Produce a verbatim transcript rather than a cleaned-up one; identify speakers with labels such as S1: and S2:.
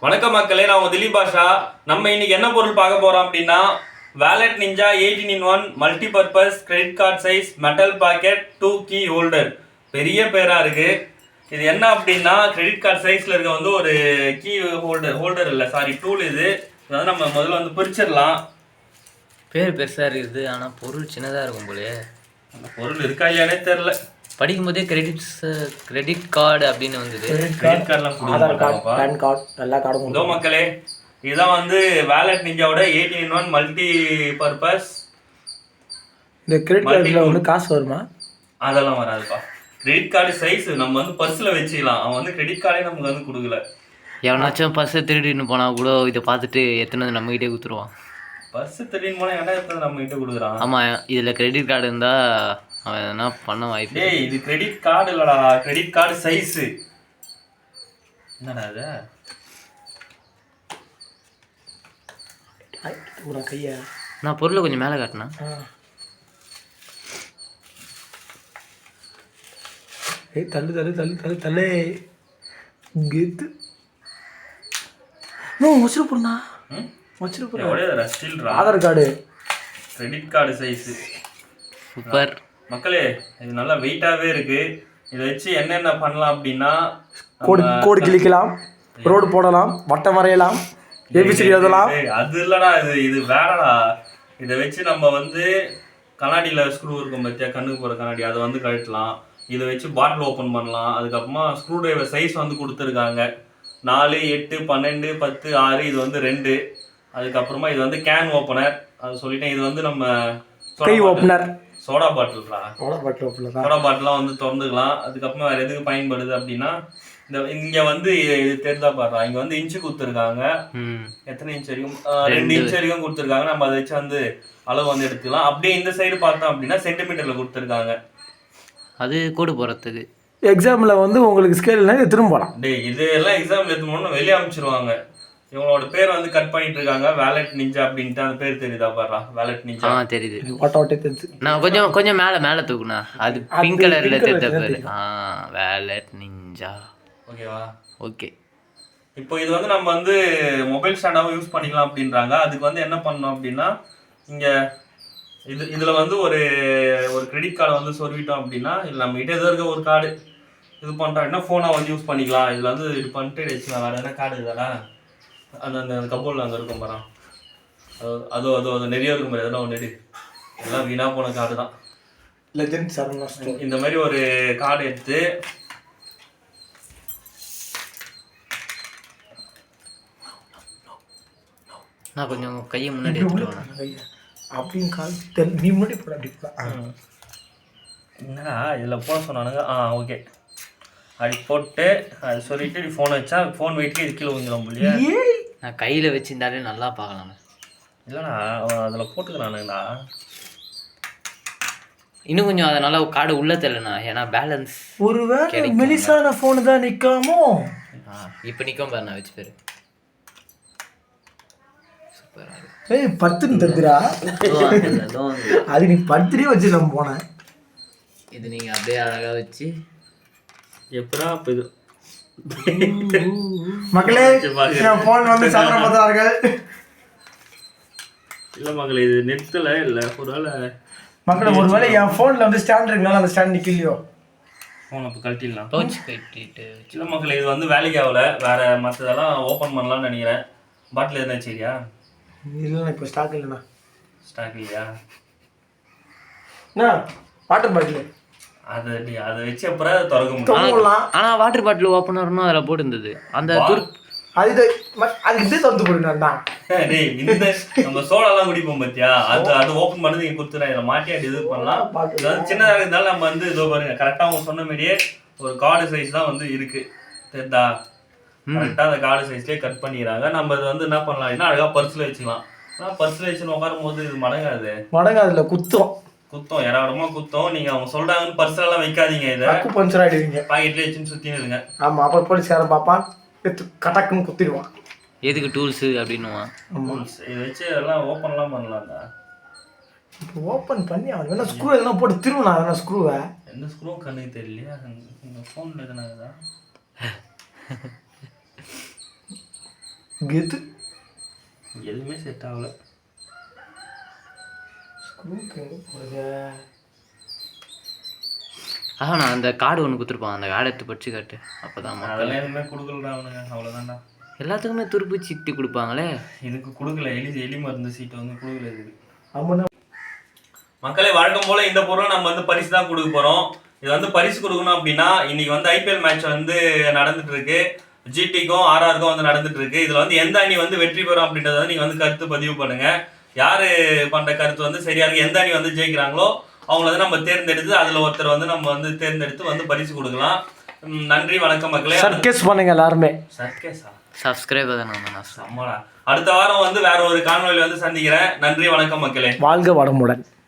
S1: வணக்கம் மக்களே, நான் உங்க திலீப் பாஷா. நம்ம இன்னைக்கு என்ன பொருள் பார்க்க போறோம் அப்படின்னா wallet ninja eighteen in one multi purpose credit card size metal pocket tool key holder. பெரிய பேரா இருக்கு. இது என்ன அப்படின்னா கிரெடிட் கார்டு சைஸ்ல இருக்க வந்து ஒரு கீ ஹோல்டர் ஹோல்டர் இல்லை சாரி டூல். இது அதாவது நம்ம முதல்ல வந்து பிரிச்சிடலாம்.
S2: பேர் பெருசா இருக்குது ஆனா பொருள் சின்னதா இருக்கும் போலயே.
S1: அந்த பொருள் இருக்கா இல்லையானே தெரியல.
S2: படிக்கும் போதே கிரெடிட்ஸ் கிரெடிட் கார்டு அப்படின்னு வந்தது.
S1: கிரெடிட் கார்டுலாம்
S3: ஆதார் கார்டு, பேன் கார்டு, எல்லா கார்டும்
S1: இதோ மக்களே, இதுதான் வந்து வேலட் நிஞ்சாவோட eighteen in one multi purpose.
S3: இந்த கிரெடிட் கார்டுல வந்து காசு வருமா?
S1: அதெல்லாம் வராதுப்பா. கிரெடிட் கார்டு சைஸ் நம்ம வந்து பர்ஸில் வச்சுக்கலாம். அவன் வந்து கிரெடிட் கார்டே நமக்கு வந்து கொடுக்கல.
S2: எவனாச்சும் பர்ஸை திருடின்னு போனா கூட இதை பார்த்துட்டு எத்தனை வந்து நம்மகிட்டே கொடுத்துருவான்.
S1: பர்ஸ் திருடின்னு போனால் என்ன எடுத்தது நம்ம கிட்ட கொடுக்குறான்.
S2: ஆமாம், இதில் கிரெடிட் கார்டு இருந்தால் அவன் எதனா பண்ண வாய்ப்பு.
S1: டேய், இது கிரெடிட் கார்டு இல்லடா, கிரெடிட் கார்டு சைஸு. என்னடா இது?
S3: கையா
S2: நான் பொருளை கொஞ்சம் மேலே காட்டினேன்.
S3: ஏய் தள்ளு தள்ளு தள்ளு தள்ளு தள்ளு கெத்து. நோ வச்சிரு போறா.
S1: ம்
S3: வச்சிரு போறா.
S1: ஒரே ரஸ்டில்ரா.
S3: Aadhaar card
S1: credit card size.
S2: Super
S1: மக்களே, இது நல்லா வெயிட்டாகவே இருக்கு. இதை வச்சு என்னென்ன பண்ணலாம் அப்படின்னா
S3: கோடு கோடு கிளிக்கலாம், ரோடு போடலாம், வட்டம் வரையலாம், ஏபிசிடி எழுதலாம்.
S1: அது இல்லடா, இது இது வேறடா. இதை வச்சு நம்ம வந்து கண்ணாடியில் ஸ்க்ரூ இருக்கும் பற்றியா, கண்ணுக்கு போகிற கண்ணாடி, அதை வந்து கழட்டலாம். இதை வச்சு பாட்டில் ஓப்பன் பண்ணலாம். அதுக்கப்புறமா ஸ்க்ரூ டிரைவர் சைஸ் வந்து கொடுத்துருக்காங்க. நாலு எட்டு பன்னெண்டு பத்து ஆறு இது வந்து ரெண்டு. அதுக்கப்புறமா இது வந்து கேன் ஓப்பனர், அது சொல்லிட்டேன். இது வந்து நம்ம
S3: கை ஓப்பனர்,
S1: சோடா பாட்டில்ரா.
S3: சோடா பாட்டில் ஓப்பனர் தான்.
S1: சோடா பாட்டிலாம் வந்து திறந்துக்கலாம். அதுக்கப்புறமா வேறு எதுக்கு பயன்படுது அப்படின்னா இந்த இங்கே வந்து இது தெரிதா பாடுறா, இங்கே வந்து இன்ச்சு கொடுத்துருக்காங்க. எத்தனை இன்ச் வரைக்கும்? ரெண்டு இன்ச் வரைக்கும் கொடுத்துருக்காங்க. நம்ம அதை வச்சு வந்து அளவு வந்து எடுத்துக்கலாம். அப்படியே இந்த சைடு பார்த்தோம் அப்படின்னா சென்டிமீட்டரில் கொடுத்துருக்காங்க.
S2: அது கோடு போகிறதுக்கு.
S3: எக்ஸாமில் வந்து உங்களுக்கு ஸ்கேல்னா இது திரும்ப போகலாம்.
S1: டே, இது எல்லாம் எக்ஸாமில் எடுத்துனோம்னா வெளியே அமைச்சிருவாங்க. இவங்களோட பேர் வந்து கட் பண்ணிட்டு இருக்காங்க, வேலட் நிஞ்சா அப்படின்ட்டு. அந்த பேர் தெரியுதா பாடுறா, வேலட் நிஞ்சா.
S2: ஆ தெரியுது.
S3: ஓட்ட ஓட்டே தெரிஞ்சு.
S2: நான் கொஞ்சம் கொஞ்சம் மேலே மேலே தூக்குனா அது பிங்க் கலர்ல தெரிஞ்ச பேர். ஆ வேலட் நிஞ்சா.
S1: ஓகேவா?
S2: ஓகே.
S1: இப்போ இது வந்து நம்ம வந்து மொபைல் ஸ்டாண்டாகவும் யூஸ் பண்ணிக்கலாம் அப்படின்றாங்க. அதுக்கு வந்து என்ன பண்ணணும் அப்படின்னா இங்கே இது இதில் வந்து ஒரு ஒரு கிரெடிட் கார்டை வந்து சொருவிட்டோம் அப்படின்னா இல்லை நம்ம கிட்டே எதோ இருக்க ஒரு கார்டு இது பண்ணுறோம்னா ஃபோனாக வந்து யூஸ் பண்ணிக்கலாம். இதில் வந்து இது பண்ணிட்டு வச்சுக்கலாம். வேறு எதனா கார்டு இதுதானே அந்த அந்த கபோர்டில் அங்கே இருக்கும் பாரு, அது அதோ அதோ அது நிறைய இருக்கும் பாரு, எதனா ஒன்று எடு. எல்லாம் வீணாக போன கார்டு தான்.
S3: லெஜெண்ட் சரவணா ஸ்டோர்.
S1: இந்த மாதிரி ஒரு கார்டு எடுத்து
S2: நான் கொஞ்சம் கையை முன்னாடி எடுத்துட்டு
S3: அப்படின்னு கால் நீ முன்னாடி போட அப்படி போட.
S1: என்னடா இதில் போட சொன்னானுங்க. ஆ ஓகே, அப்படி போட்டு அது சொல்லிட்டு ஃபோனை வச்சா ஃபோன் வெயிட்க்கு இது கீழே வந்துடும் இல்லையா?
S2: நான் கையில் வச்சிருந்தாலே நல்லா பார்க்கலாம்.
S1: இல்லைண்ணா, அதில் போட்டுக்கிறானுங்கண்ணா.
S2: இன்னும் கொஞ்சம் அதை நல்லா கார்டு உள்ள தெரியலண்ணா, ஏன்னா பேலன்ஸ்
S3: ஒருவேளை மெலிசான ஃபோனு தான் நிற்காமோ.
S2: இப்போ நிற்கும் பாரு, நான் வச்சு பேர்
S3: ஏய் பத்துன்னு தந்துடா. அது நீ பத்துலேயே வச்சு நம்ம போனேன்.
S2: இது நீங்கள் அப்படியே அழகாக வச்சு
S1: எப்படா இப்போ இது
S3: மக்களே என் ஃபோன் வந்து சாப்பிட பார்த்தார்கள்.
S1: இல்லை மகளே, இது நிறுத்தலை. இல்லை ஒரு வேளை
S3: மக்களே ஒருவேளை என் ஃபோனில் வந்து ஸ்டாண்ட் இருக்குனால அந்த ஸ்டாண்ட் நிற்கலையோ.
S1: ஃபோன் அப்போ கழட்டிடலாம்.
S2: பவுச் கட்டிட்டு
S1: இல்லை மக்களே, இது வந்து வேலைக்கு ஆகலை. வேறு மற்றதெல்லாம் ஓப்பன் பண்ணலாம்னு நினைக்கிறேன். பாட்டில் எதுனா சரியா?
S3: இல்லைண்ணா இப்போ ஸ்டாக் இல்லைண்ணா.
S1: ஸ்டாக் இல்லையா?
S3: அண்ணா வாட்டர் பாட்டில்
S1: அதை அதை வச்சு அப்புறம் அதை திறக்க முடியும்.
S2: ஆனால் வாட்டர் பாட்டில் ஓப்பன் வரணும் அதில் போட்டுருந்தது. அந்த
S3: அது அது இதே திறந்து போடுங்கண்ணா.
S1: டேய், இந்த நம்ம சோடாலாம் குடிப்போம் பார்த்தியா, அது அது ஓப்பன் பண்ணது இங்கே கொடுத்துறேன். இதில் மாட்டி அப்படி இது பண்ணலாம். இது வந்து சின்னதாக இருந்தாலும் நம்ம வந்து இதோ பாருங்க, கரெக்டாக அவங்க சொன்ன மாதிரியே ஒரு கார்டு சைஸ் தான் வந்து இருக்குது. தெரியுதா? கரெக்டாக அந்த கார்டு சைஸ்லேயே கட் பண்ணிடுறாங்க. நம்ம இது வந்து என்ன பண்ணலாம்னா அழகாக பர்ஸில் வச்சுக்கலாம். ஆனால் பர்ஸில் வச்சுன்னு உட்காரும் போது இது மடங்காது.
S3: மடங்காதுல குத்தம்
S1: குத்தம் ஏராளமாக குத்தம். நீங்கள் அவங்க சொல்கிறாங்கன்னு பர்ஸெல்லாம் வைக்காதீங்க. இதை
S3: பஞ்சர் ஆகிடுவீங்க.
S1: பாக்கெட்லேயே வச்சுன்னு சுற்றின்னு இருங்க.
S3: ஆமாம், அப்புறம் போலீஸ்காரன் பார்ப்பான், எடுத்து கட்டாக்குன்னு குத்திடுவான்.
S2: எதுக்கு டூல்ஸு அப்படின்னுவான்.
S1: இதை வச்சு எல்லாம் ஓப்பன்லாம் பண்ணலாம்டா.
S3: இப்போ ஓப்பன் பண்ணி அவன் வேணா ஸ்க்ரூ எதனா போட்டு திருவனா வேணா ஸ்க்ரூவை.
S1: எந்த ஸ்க்ரூ கண்ணுக்கு தெரியலையா? இந்த ஃபோனில் எதுனா
S3: கெத்து
S1: எதுவுமே செட் ஆகல.
S2: ஆஹா நான் அந்த கார்டு ஒன்று கொடுத்துருப்பான், அந்த கார்டை எடுத்து படிச்சு காட்டு. அப்போதான் மக்கள்
S1: அதெல்லாம் எதுவுமே கொடுக்கலடா அவனுங்க, அவ்வளோதான்டா.
S2: எல்லாத்துக்குமே துருப்பு சீட்டு கொடுப்பாங்களே,
S1: இதுக்கு கொடுக்கல. எலி எலி மருந்து சீட்டு வந்து கொடுக்கல இதுக்கு.
S3: ஆமாண்ணா.
S1: மக்களே வழக்கம் போல இந்த பொருளை நம்ம வந்து பரிசு தான் கொடுக்க போறோம். இது வந்து பரிசு கொடுக்கணும் அப்படின்னா இன்னைக்கு வந்து ஐபிஎல் மேட்ச் வந்து நடந்துட்டு இருக்கு. ஜிடிக்கும் ஆர்ஆருக்கும் வந்து நடந்துட்டு இருக்கு. இதுல வந்து எந்த அணி வந்து வெற்றி பெறும் அப்படின்றத வந்து நீங்க வந்து கருத்து பதிவு பண்ணுங்க. யாரு பண்ற கருத்து வந்து சரியா இருக்கு, எந்த அணி வந்து ஜெயிக்கிறாங்களோ அவங்கள வந்து நம்ம தேர்ந்தெடுத்து அதுல ஒருத்தர் வந்து நம்ம வந்து தேர்ந்தெடுத்து வந்து பரிசு கொடுக்கலாம். நன்றி வணக்கம் மக்களே.
S3: சர்க்கஸ் பண்ணுங்க எல்லாருமே.
S1: சர்க்கஸா?
S2: சப்ஸ்கிரைபர் தானே நான்
S1: சம்மடா. அடுத்த வாரம் வந்து வேற ஒரு காணொலியில வந்து சந்திக்கிறேன். நன்றி வணக்கம் மக்களே.
S3: வாழ்க வளமுடன்.